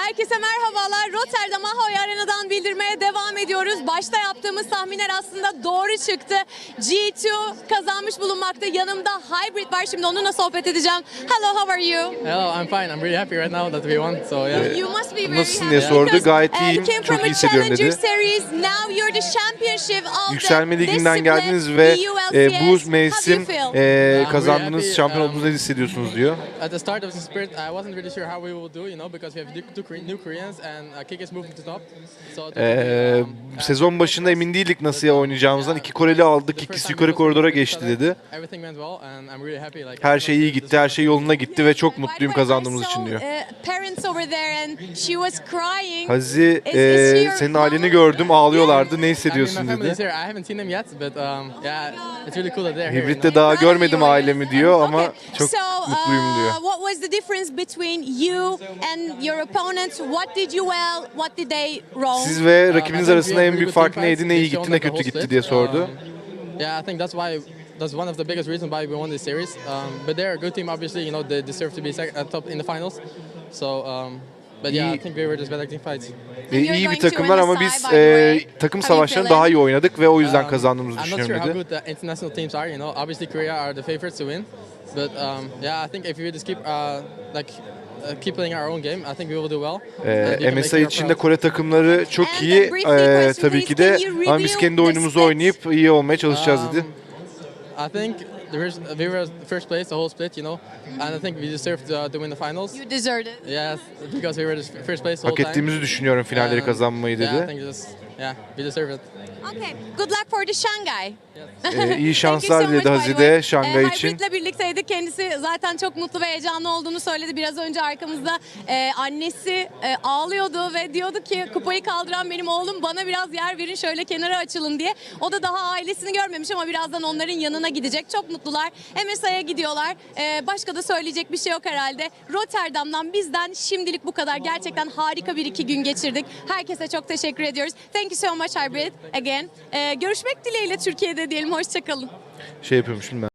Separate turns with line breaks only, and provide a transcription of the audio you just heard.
Herkese merhabalar. Rotterdam Ahoy Arena'dan bildirmeye devam ediyoruz. Başta yaptığımız tahminler aslında doğru çıktı. G2 kazanmış bulunmakta. Yanımda Hybrid var. Şimdi onunla sohbet edeceğim. Hello, how are you?
Hello, I'm fine. I'm really happy right now that we won. So yeah.
You must be very
Nasılsın diye
happy
sordu.
because,
Gayet
you
iyiyim.
came from
Çok
a
iyi hissediyorum
Challenger
dedi.
Series. Now you're the championship of
Yükselme
the
liginden
discipline,
geldiniz ve
the ULCS.
bu
How do you
mevsim
feel?
kazandığınız
happy,
şampiyon olduğunuzu ne hissediyorsunuz diyor.
At the start of the sprint, I wasn't really sure how we will do, because we have new Koreans and Kick is moving to top. So
Sezon başında emin değildik nasıl oynayacağımızdan. 2 Koreli aldık, ikisi yukarı koridora geçti dedi.
Everything went well and I'm really happy. Like
Her şey iyi gitti, her şey yoluna gitti ve çok mutluyum
By the way,
kazandığımız
I
için
saw,
diyor.
Parents over there and she was crying.
Hazi,
Is she your
senin
mom?
aileni gördüm, ağlıyorlardı. Ne
I mean,
hissediyorsun
my family is
dedi.
here. I haven't seen them yet, but yeah, it's really cool that they're here.
Hibrit'te daha görmedim ailemi diyor ama
Okay,
çok
so,
mutluyum diyor.
What was the difference between you and your opponents? What did you well? What did they wrong?
Siz ve rakibiniz arasında en büyük fark neydi? Ne iyi gitti, ne kötü gitti diye sordu.
Yeah, I think that's one of the biggest reasons why we won this series. But they're a good team, obviously. They deserve to be at top in the finals. So, but yeah, I think we were just better team fights.
İyi bir takımlar ama biz takım savaşlarını daha iyi oynadık ve o yüzden kazandığımızı
I'm not sure
düşünüyorum
how
dedi.
good the international teams are. Obviously Korea are the favorites to win. But yeah, I think if we just keep playing our own game, I think we will do well. And we can make
MSI
Europe
içinde
proud.
Kore takımları çok
And
iyi
a brief question,
tabii ki
please.
de
Can you
ama biz
review
kendi
the
oyunumuzu
split?
oynayıp iyi olmaya çalışacağız dedi.
I think we were first place the whole split, and I think we deserved to win the finals.
You deserved it.
Yes, because we were the first place the
Hak
whole time.
ettiğimizi düşünüyorum finalleri
And,
kazanmayı
Yeah, I
dedi.
think we deserve it.
Okay. Good luck for the Shanghai.
İyi
Thank you so
şanslar
much,
dedi
by the
Hazide
way.
Şangay için.
Hybrid'le birlikteydi. Kendisi zaten çok mutlu ve heyecanlı olduğunu söyledi. Biraz önce arkamızda annesi ağlıyordu ve diyordu ki kupayı kaldıran benim oğlum, bana biraz yer verin, şöyle kenara açılın diye. O da daha ailesini görmemiş ama birazdan onların yanına gidecek. Çok mutlular. MSI'ye gidiyorlar. Başka da söyleyecek bir şey yok herhalde. Rotterdam'dan bizden şimdilik bu kadar. Gerçekten harika bir 2 gün geçirdik. Herkese çok teşekkür ediyoruz. Thank you so much Hybrid again. Görüşmek dileğiyle Türkiye'de diyelim. Hoşçakalın.
Şey yapıyormuşum ben.